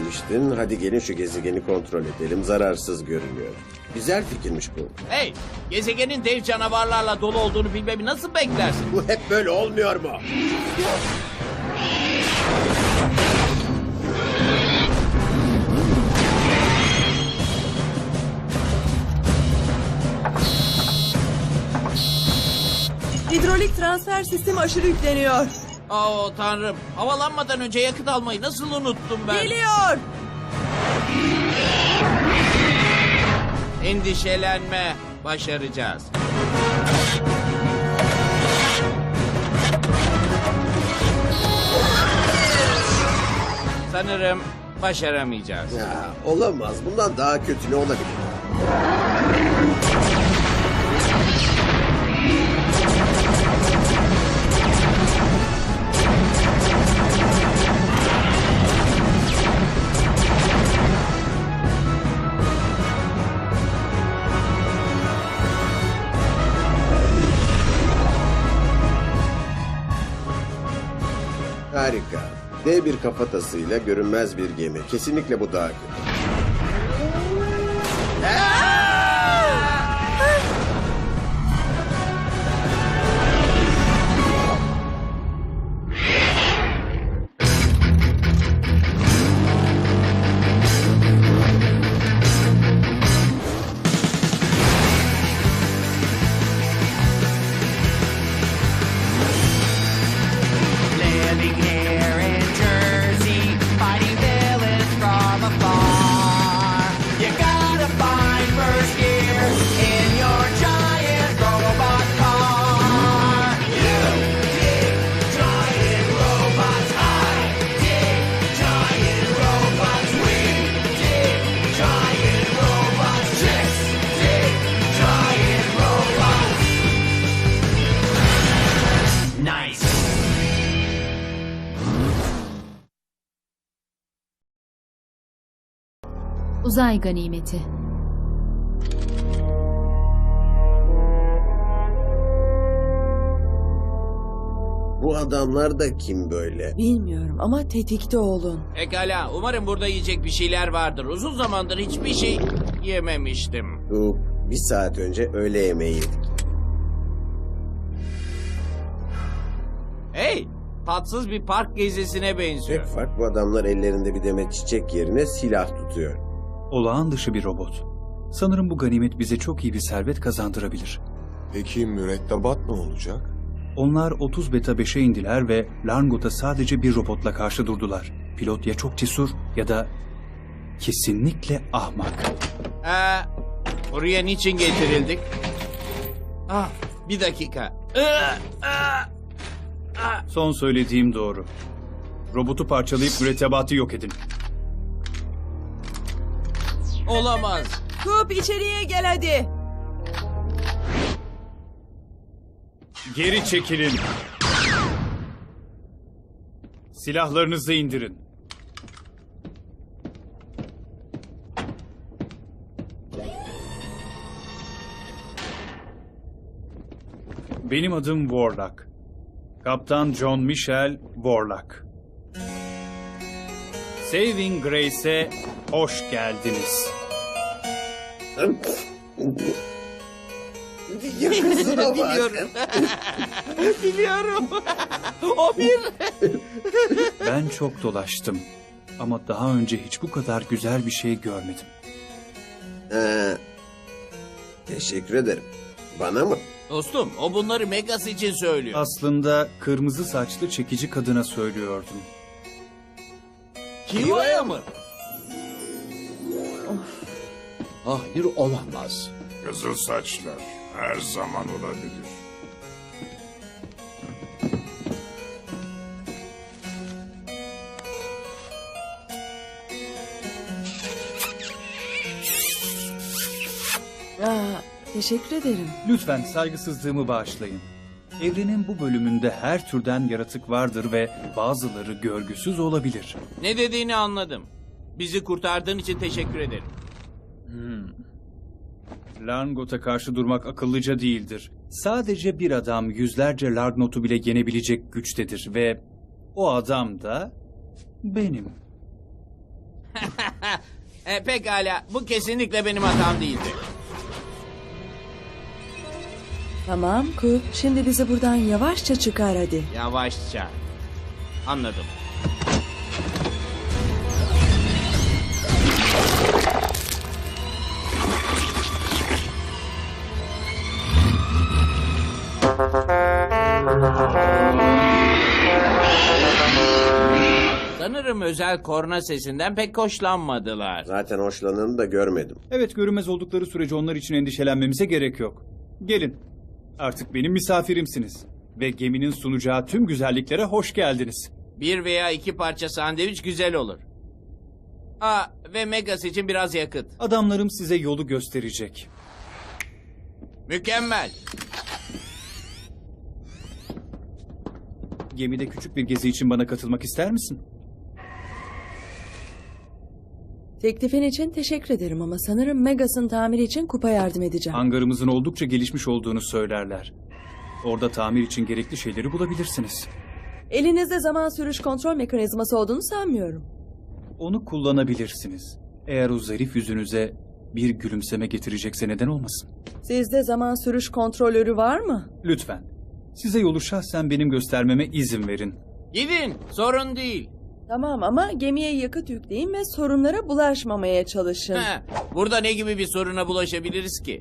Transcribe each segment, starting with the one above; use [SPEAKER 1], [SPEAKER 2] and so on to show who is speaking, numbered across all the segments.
[SPEAKER 1] demiştin. Hadi gelin şu gezegeni kontrol edelim. Zararsız görünüyor. Güzel fikirmiş bu.
[SPEAKER 2] Hey, gezegenin dev canavarlarla dolu olduğunu bilmemi nasıl beklersin?
[SPEAKER 1] Bu hep böyle olmuyor mu?
[SPEAKER 3] Hidrolik transfer sistemi aşırı yükleniyor.
[SPEAKER 2] Oo tanrım, havalanmadan önce yakıt almayı nasıl unuttum ben?
[SPEAKER 3] Geliyor.
[SPEAKER 2] Endişelenme, başaracağız. Sanırım başaramayacağız.
[SPEAKER 1] Ya, olamaz. Bundan daha kötü ne olabilir? Harika. Dev bir kafatasıyla görünmez bir gemi. Kesinlikle bu daha kötü.
[SPEAKER 4] Living here in Jersey, fighting villains from afar. You gotta find first gear in your giant robot car. You dig giant robots, I dig giant robots, we dig giant robots, chicks dig giant robots. Nice.
[SPEAKER 5] Uzay ganimeti.
[SPEAKER 1] Bu adamlar da kim böyle?
[SPEAKER 3] Bilmiyorum ama tetikte olun.
[SPEAKER 2] Pekala, umarım burada yiyecek bir şeyler vardır. Uzun zamandır hiçbir şey yememiştim.
[SPEAKER 1] Bir saat önce öğle yemeği yedik.
[SPEAKER 2] Hey, tatsız bir park gezisine benziyor.
[SPEAKER 1] Tek fark bu adamlar ellerinde bir demet çiçek yerine silah tutuyor.
[SPEAKER 6] Olağan dışı bir robot. Sanırım bu ganimet bize çok iyi bir servet kazandırabilir.
[SPEAKER 7] Peki mürettebat ne olacak?
[SPEAKER 6] Onlar 30 beta 5'e indiler ve Larngot'a sadece bir robotla karşı durdular. Pilot ya çok cesur ya da kesinlikle ahmak.
[SPEAKER 2] Buraya niçin getirildik? Ah, bir dakika.
[SPEAKER 6] Son söylediğim doğru. Robotu parçalayıp mürettebatı yok edin.
[SPEAKER 2] Olamaz.
[SPEAKER 3] Kup içeriye gel hadi.
[SPEAKER 6] Geri çekilin. Silahlarınızı indirin. Benim adım Warlock. Kaptan John Michel Warlock. Saving Grace'e hoş geldiniz.
[SPEAKER 1] Yakasına bak.
[SPEAKER 2] Biliyorum. Biliyorum. O bir...
[SPEAKER 6] Ben çok dolaştım. Ama daha önce hiç bu kadar güzel bir şey görmedim.
[SPEAKER 1] Teşekkür ederim. Bana mı?
[SPEAKER 2] Dostum, o bunları Megas için söylüyor.
[SPEAKER 6] Aslında kırmızı saçlı çekici kadına söylüyordum.
[SPEAKER 2] Kiva'ya mı?
[SPEAKER 8] Hayır olamaz.
[SPEAKER 7] Kızıl saçlar her zaman olabilir.
[SPEAKER 3] Teşekkür ederim.
[SPEAKER 6] Lütfen saygısızlığımı bağışlayın. Evrenin bu bölümünde her türden yaratık vardır ve bazıları görgüsüz olabilir.
[SPEAKER 2] Ne dediğini anladım. Bizi kurtardığın için teşekkür ederim.
[SPEAKER 6] Larngot'a karşı durmak akıllıca değildir. Sadece bir adam yüzlerce Largnot'u bile yenebilecek güçtedir ve o adam da benim.
[SPEAKER 2] Pekala, bu kesinlikle benim hatam değildi.
[SPEAKER 3] Tamam Coop. Şimdi bizi buradan yavaşça çıkar hadi.
[SPEAKER 2] Yavaşça. Anladım. Sanırım özel korna sesinden pek hoşlanmadılar.
[SPEAKER 1] Zaten hoşlananı da görmedim.
[SPEAKER 6] Evet, görünmez oldukları sürece onlar için endişelenmemize gerek yok. Gelin. Artık benim misafirimsiniz. Ve geminin sunacağı tüm güzelliklere hoş geldiniz.
[SPEAKER 2] Bir veya iki parça sandviç güzel olur. Ve Megas için biraz yakıt.
[SPEAKER 6] Adamlarım size yolu gösterecek.
[SPEAKER 2] Mükemmel.
[SPEAKER 6] Gemide küçük bir gezi için bana katılmak ister misin?
[SPEAKER 3] Teklifin için teşekkür ederim ama sanırım Megas'ın tamiri için Coop'a yardım edeceğim.
[SPEAKER 6] Hangarımızın oldukça gelişmiş olduğunu söylerler. Orada tamir için gerekli şeyleri bulabilirsiniz.
[SPEAKER 3] Elinizde zaman sürüş kontrol mekanizması olduğunu sanmıyorum.
[SPEAKER 6] Onu kullanabilirsiniz. Eğer o zarif yüzünüze bir gülümseme getirecekse neden olmasın?
[SPEAKER 3] Sizde zaman sürüş kontrolörü var mı?
[SPEAKER 6] Lütfen. Size yolu şahsen benim göstermeme izin verin.
[SPEAKER 2] Gidin, sorun değil.
[SPEAKER 3] Tamam ama gemiye yakıt yükleyin ve sorunlara bulaşmamaya çalışın.
[SPEAKER 2] Burada ne gibi bir soruna bulaşabiliriz ki?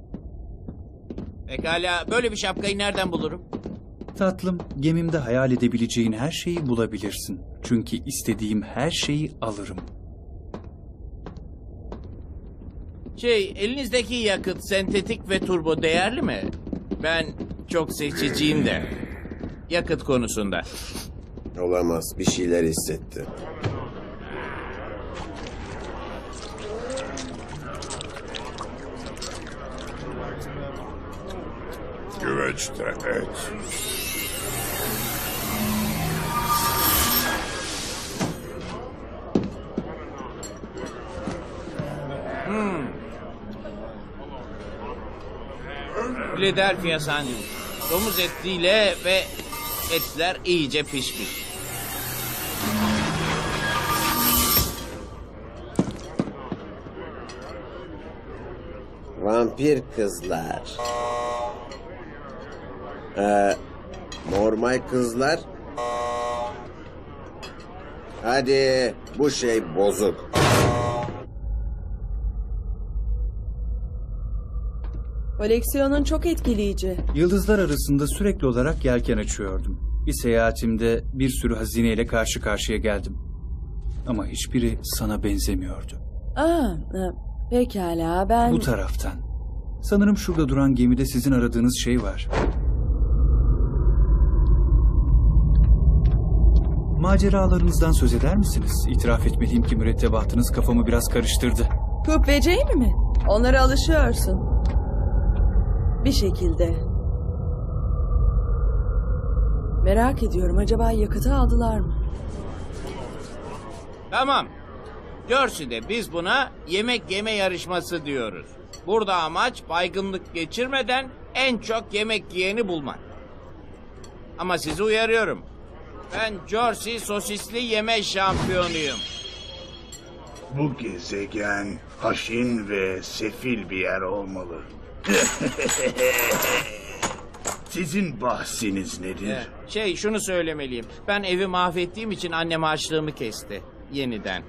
[SPEAKER 2] Pekala, böyle bir şapkayı nereden bulurum?
[SPEAKER 6] Tatlım, gemimde hayal edebileceğin her şeyi bulabilirsin. Çünkü istediğim her şeyi alırım.
[SPEAKER 2] Elinizdeki yakıt sentetik ve turbo değerli mi? Ben çok seçiciyim de. Yakıt konusunda.
[SPEAKER 1] Olamaz. Bir şeyler hissetti.
[SPEAKER 7] Güveçte et.
[SPEAKER 2] Philadelphia sandviç. Domuz etiyle ve etler iyice pişmiş.
[SPEAKER 1] Vampir kızlar. Normal kızlar. Hadi, bu şey bozuk.
[SPEAKER 3] Koleksiyonun çok etkileyici.
[SPEAKER 6] Yıldızlar arasında sürekli olarak yelken açıyordum. Bir seyahatimde bir sürü hazineyle karşı karşıya geldim. Ama hiçbiri sana benzemiyordu.
[SPEAKER 3] Pekala ben...
[SPEAKER 6] Bu taraftan. Sanırım şurada duran gemide sizin aradığınız şey var. Maceralarınızdan söz eder misiniz? İtiraf etmeliyim ki mürettebatınız kafamı biraz karıştırdı.
[SPEAKER 3] Coop ve Jamie mi? Onlara alışıyorsun. Bir şekilde. Merak ediyorum, acaba yakıtı aldılar mı?
[SPEAKER 2] Tamam. Jersey'de biz buna yemek yeme yarışması diyoruz. Burada amaç baygınlık geçirmeden en çok yemek yiyeni bulmak. Ama sizi uyarıyorum. Ben Jersey sosisli yeme şampiyonuyum.
[SPEAKER 9] Bu gezegen haşin ve sefil bir yer olmalı. Sizin bahsiniz nedir?
[SPEAKER 2] Şunu söylemeliyim. Ben evi mahvettiğim için annem harçlığımı kesti. Yeniden.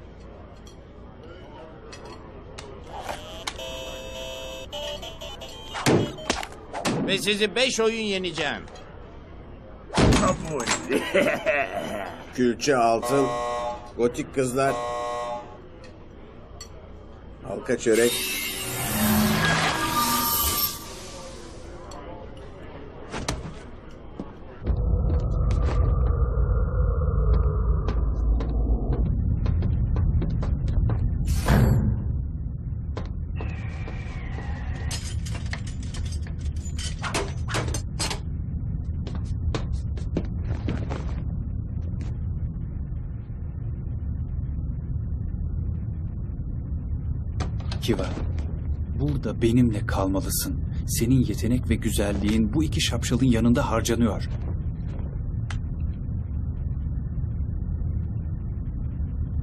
[SPEAKER 2] Ve sizi 5 oyun yeneceğim.
[SPEAKER 9] Kabul.
[SPEAKER 1] Külçe altın. Gotik kızlar. Halka çörek.
[SPEAKER 6] Kiva, burada benimle kalmalısın. Senin yetenek ve güzelliğin bu iki şapşalın yanında harcanıyor.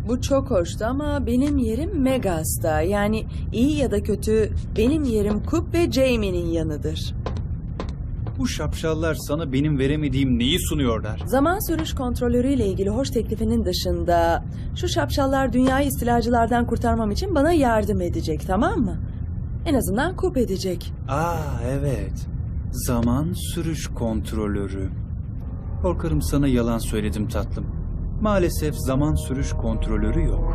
[SPEAKER 3] Bu çok hoştu ama benim yerim Megas'ta. Yani iyi ya da kötü benim yerim Coop ve Jamie'nin yanıdır.
[SPEAKER 6] Bu şapşallar sana benim veremediğim neyi sunuyorlar?
[SPEAKER 3] Zaman sürüş kontrolörüyle ilgili hoş teklifinin dışında şu şapşallar dünyayı istilacılardan kurtarmam için bana yardım edecek, tamam mı? En azından Coop edecek.
[SPEAKER 6] Evet. Zaman sürüş kontrolörü. Korkarım sana yalan söyledim tatlım. Maalesef zaman sürüş kontrolörü yok.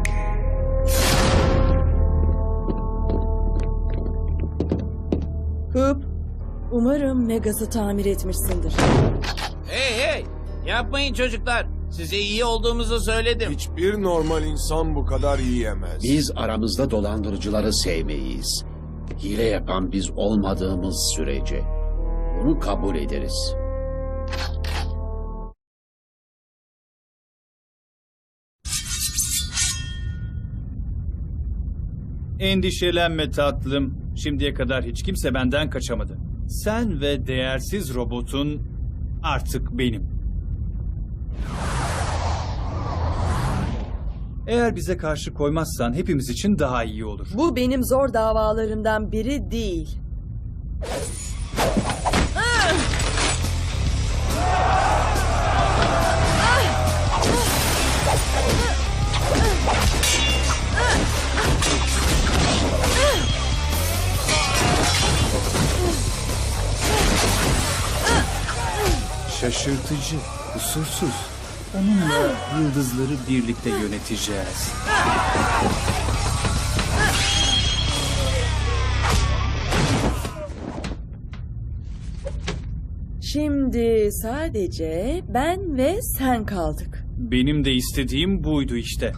[SPEAKER 3] Coop, umarım Megas'ı tamir etmişsindir.
[SPEAKER 2] Hey! Yapmayın çocuklar. Size iyi olduğumuzu söyledim.
[SPEAKER 7] Hiçbir normal insan bu kadar yiyemez.
[SPEAKER 8] Biz aramızda dolandırıcıları sevmeyiz. Hile yapan biz olmadığımız sürece. Bunu kabul ederiz.
[SPEAKER 6] Endişelenme tatlım. Şimdiye kadar hiç kimse benden kaçamadı. Sen ve değersiz robotun artık benim. Eğer bize karşı koymazsan hepimiz için daha iyi olur.
[SPEAKER 3] Bu benim zor davalarımdan biri değil.
[SPEAKER 6] Şaşırtıcı, kusursuz. Onunla yıldızları birlikte yöneteceğiz.
[SPEAKER 3] Şimdi sadece ben ve sen kaldık.
[SPEAKER 6] Benim de istediğim buydu işte.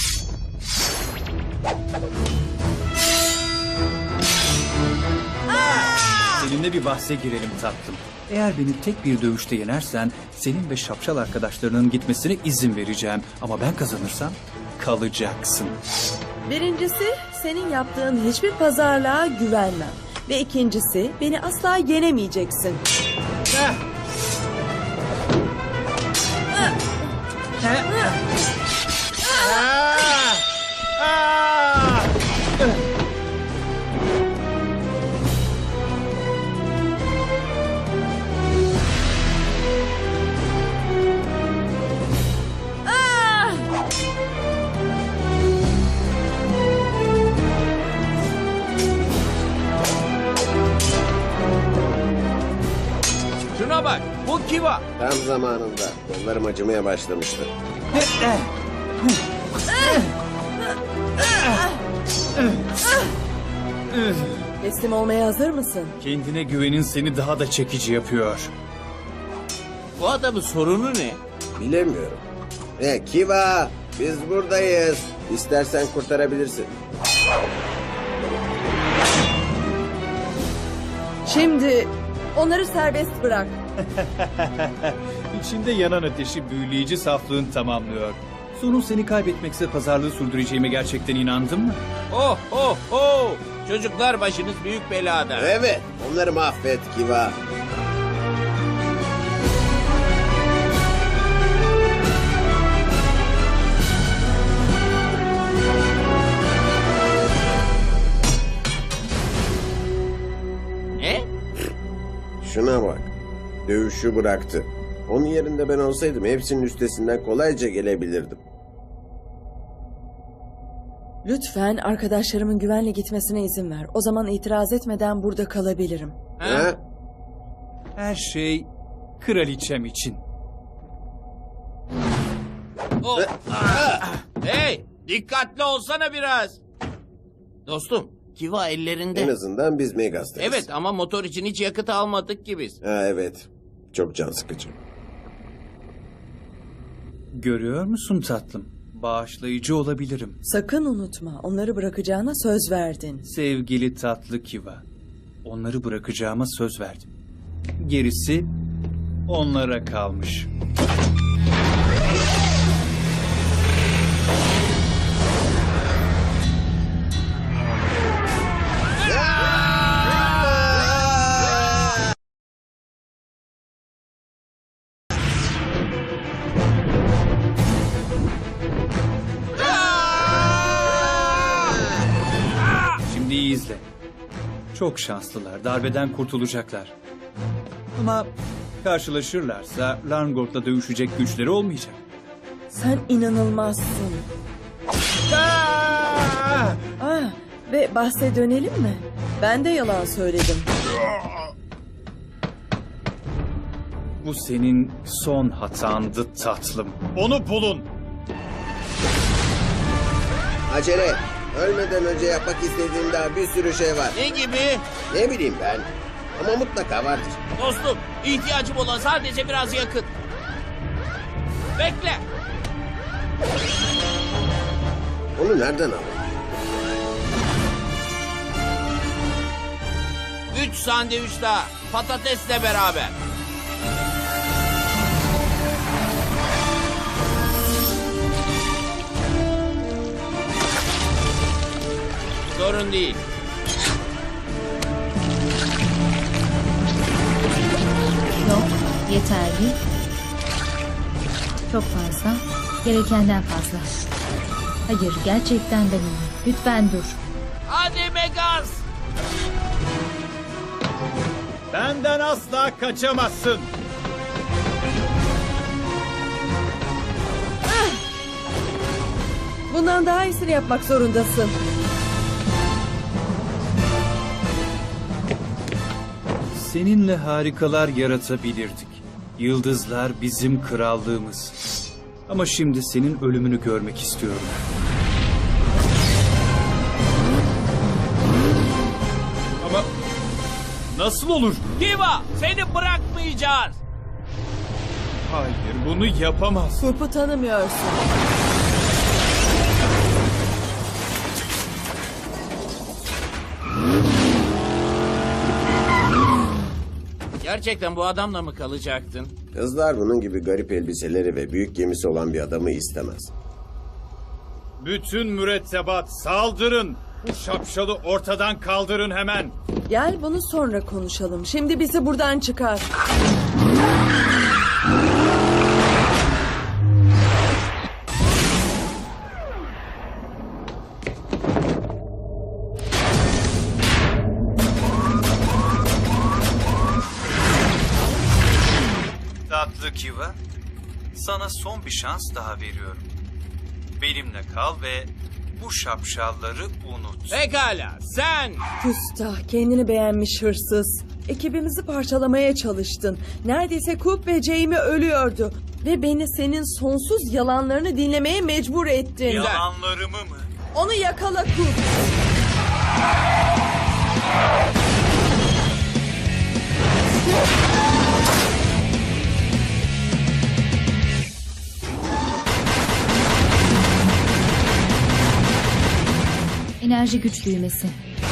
[SPEAKER 6] Seninle bir bahse girelim tatlım. Eğer beni tek bir dövüşte yenersen senin ve şapşal arkadaşlarının gitmesine izin vereceğim. Ama ben kazanırsam kalacaksın.
[SPEAKER 3] Birincisi, senin yaptığın hiçbir pazarlığa güvenmem. Ve ikincisi, beni asla yenemeyeceksin.
[SPEAKER 2] Şuna bak. Bu Kiva.
[SPEAKER 1] Tam zamanında. Kollarım acımaya başlamıştı.
[SPEAKER 3] Teslim olmaya hazır mısın?
[SPEAKER 6] Kendine güvenin seni daha da çekici yapıyor.
[SPEAKER 2] Bu adamın sorunu ne?
[SPEAKER 1] Bilemiyorum. Kiva, biz buradayız. İstersen kurtarabilirsin.
[SPEAKER 3] Şimdi onları serbest bırak.
[SPEAKER 6] İçinde yanan ateşi büyüleyici saflığın tamamlıyor. Sonun seni kaybetmekse pazarlığı sürdüreceğime gerçekten inandın mı?
[SPEAKER 2] Oh! Çocuklar başınız büyük belada.
[SPEAKER 1] Evet, onları mahvet Kiva.
[SPEAKER 2] Ne?
[SPEAKER 1] Şuna bak. Dövüşü bıraktı. Onun yerinde ben olsaydım hepsinin üstesinden kolayca gelebilirdim.
[SPEAKER 3] Lütfen arkadaşlarımın güvenle gitmesine izin ver. O zaman itiraz etmeden burada kalabilirim.
[SPEAKER 1] Ha?
[SPEAKER 6] Her şey kraliçem için.
[SPEAKER 2] Oh. Hey! Dikkatli olsana biraz. Dostum, Kiva ellerinde.
[SPEAKER 1] En azından biz Megas'tayız.
[SPEAKER 2] Evet ama motor için hiç yakıt almadık ki biz.
[SPEAKER 1] Evet. Çok can sıkıcı.
[SPEAKER 6] Görüyor musun tatlım? Bağışlayıcı olabilirim.
[SPEAKER 3] Sakın unutma, onları bırakacağına söz verdin.
[SPEAKER 6] Sevgili tatlı Kiva. Onları bırakacağıma söz verdim. Gerisi onlara kalmış. izle. Çok şanslılar. Darbeden kurtulacaklar. Ama karşılaşırlarsa Larngort'la dövüşecek güçleri olmayacak.
[SPEAKER 3] Sen inanılmazsın. Ve bahse dönelim mi? Ben de yalan söyledim.
[SPEAKER 6] Bu senin son hatandı tatlım. Onu bulun.
[SPEAKER 1] Acele. Ölmeden önce yapmak istediğim daha bir sürü şey var.
[SPEAKER 2] Ne gibi?
[SPEAKER 1] Ne bileyim ben. Ama mutlaka vardır.
[SPEAKER 2] Dostum, ihtiyacım olan sadece biraz yakıt. Bekle.
[SPEAKER 1] Onu nereden alayım?
[SPEAKER 2] 3 sandviç daha. Patatesle beraber. Sorun değil.
[SPEAKER 5] Yok, yeterli. Çok fazla. Gerekenden fazla. Hayır, gerçekten ben iyiyim. Lütfen dur.
[SPEAKER 2] Hadi Megas.
[SPEAKER 6] Benden asla kaçamazsın.
[SPEAKER 3] Bundan daha iyisini yapmak zorundasın.
[SPEAKER 6] Seninle harikalar yaratabilirdik. Yıldızlar bizim krallığımız. Ama şimdi senin ölümünü görmek istiyorum. Ama nasıl olur?
[SPEAKER 2] Kiva, seni bırakmayacağız.
[SPEAKER 6] Hayır, bunu yapamaz.
[SPEAKER 3] Kurpu tanımıyorsun.
[SPEAKER 2] Gerçekten bu adamla mı kalacaktın?
[SPEAKER 1] Kızlar bunun gibi garip elbiseleri ve büyük gemisi olan bir adamı istemez.
[SPEAKER 6] Bütün mürettebat saldırın. Bu şapşalı ortadan kaldırın hemen.
[SPEAKER 3] Gel bunu sonra konuşalım. Şimdi bizi buradan çıkar.
[SPEAKER 6] Tatlı Kiva, sana son bir şans daha veriyorum. Benimle kal ve bu şapşalları unut.
[SPEAKER 2] Pekala, sen.
[SPEAKER 3] Küstah, kendini beğenmiş hırsız. Ekibimizi parçalamaya çalıştın. Neredeyse Coop ve Jamie ölüyordu. Ve beni senin sonsuz yalanlarını dinlemeye mecbur ettin.
[SPEAKER 6] Yalanlarımı mı?
[SPEAKER 3] Onu yakala Coop.
[SPEAKER 5] Enerji güç düğmesi.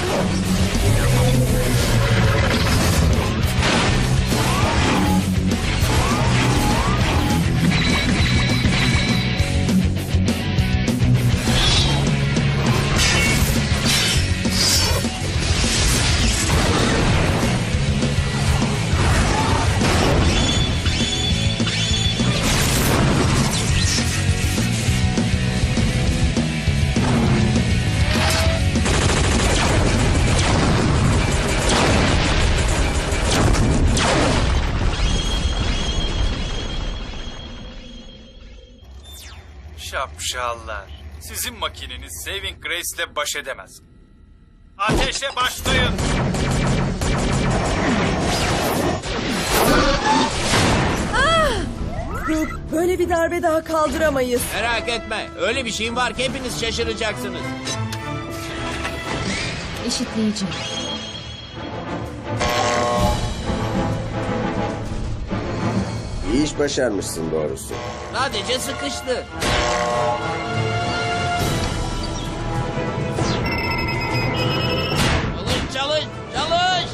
[SPEAKER 6] Şapşallar. Sizin makineniz Saving Grace'le baş edemez. Ateşe başlayın.
[SPEAKER 3] Coop, böyle bir darbe daha kaldıramayız.
[SPEAKER 2] Merak etme. Öyle bir şeyim var ki hepiniz şaşıracaksınız.
[SPEAKER 5] Eşitleyici.
[SPEAKER 1] İyi iş başarmışsın doğrusu.
[SPEAKER 2] Sadece sıkıştı. Çalış, çalış, çalış.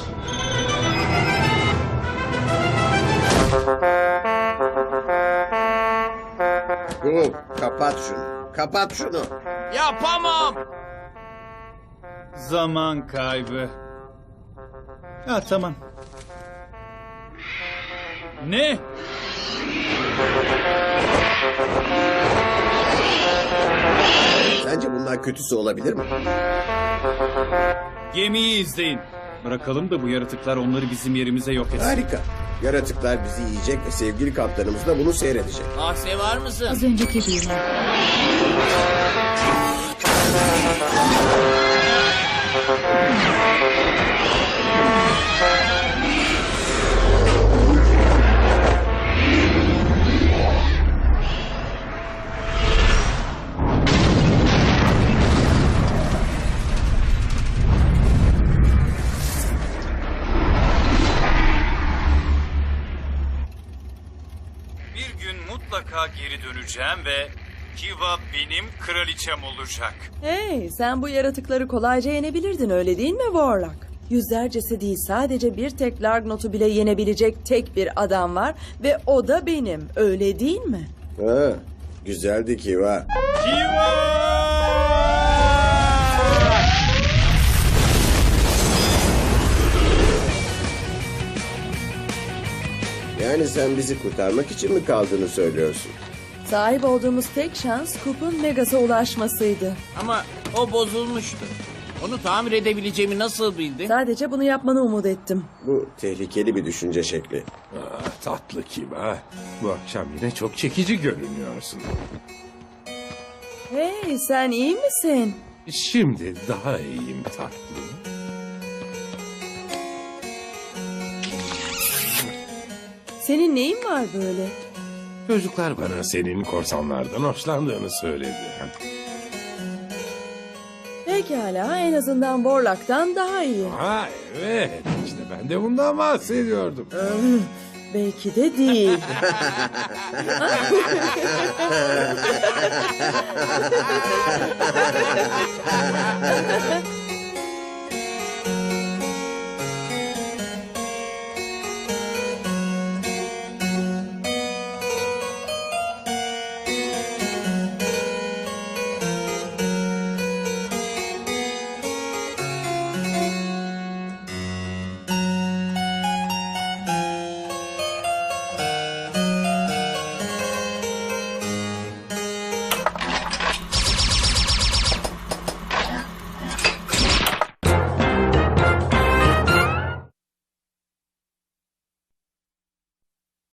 [SPEAKER 1] Coop, kapat şunu. Kapat şunu.
[SPEAKER 2] Yapamam.
[SPEAKER 6] Zaman kaybı. Ha tamam. Ne?
[SPEAKER 1] Sence bunlar kötüsü olabilir mi?
[SPEAKER 6] Gemiyi izleyin. Bırakalım da bu yaratıklar onları bizim yerimize yok etsin.
[SPEAKER 1] Harika. Yaratıklar bizi yiyecek ve sevgili kaptanımız da bunu seyredecek.
[SPEAKER 2] Ahse var mısın?
[SPEAKER 5] Az önceki değil.
[SPEAKER 6] Bir gün mutlaka geri döneceğim ve Kiva benim kraliçem olacak.
[SPEAKER 3] Hey, sen bu yaratıkları kolayca yenebilirdin öyle değil mi Warlock? Yüzlercesi değil, sadece bir tek Largnot'u bile yenebilecek tek bir adam var ve o da benim, öyle değil mi?
[SPEAKER 1] Ha, güzeldi Kiva. Yani sen bizi kurtarmak için mi kaldığını söylüyorsun?
[SPEAKER 3] Sahip olduğumuz tek şans Coop'un Megas'a ulaşmasıydı.
[SPEAKER 2] Ama o bozulmuştu. Onu tamir edebileceğimi nasıl bildin?
[SPEAKER 3] Sadece bunu yapmanı umut ettim.
[SPEAKER 1] Bu tehlikeli bir düşünce şekli.
[SPEAKER 7] Tatlı Kiva. Bu akşam yine çok çekici görünüyorsun.
[SPEAKER 3] Hey, sen iyi misin?
[SPEAKER 7] Şimdi daha iyiyim tatlı.
[SPEAKER 3] Senin neyin var böyle?
[SPEAKER 7] Çocuklar bana senin korsanlardan hoşlandığını söyledi.
[SPEAKER 3] Pekala, en azından Warlock'tan daha iyi.
[SPEAKER 7] Ha evet, işte ben de bundan bahsediyordum.
[SPEAKER 3] Belki de değil.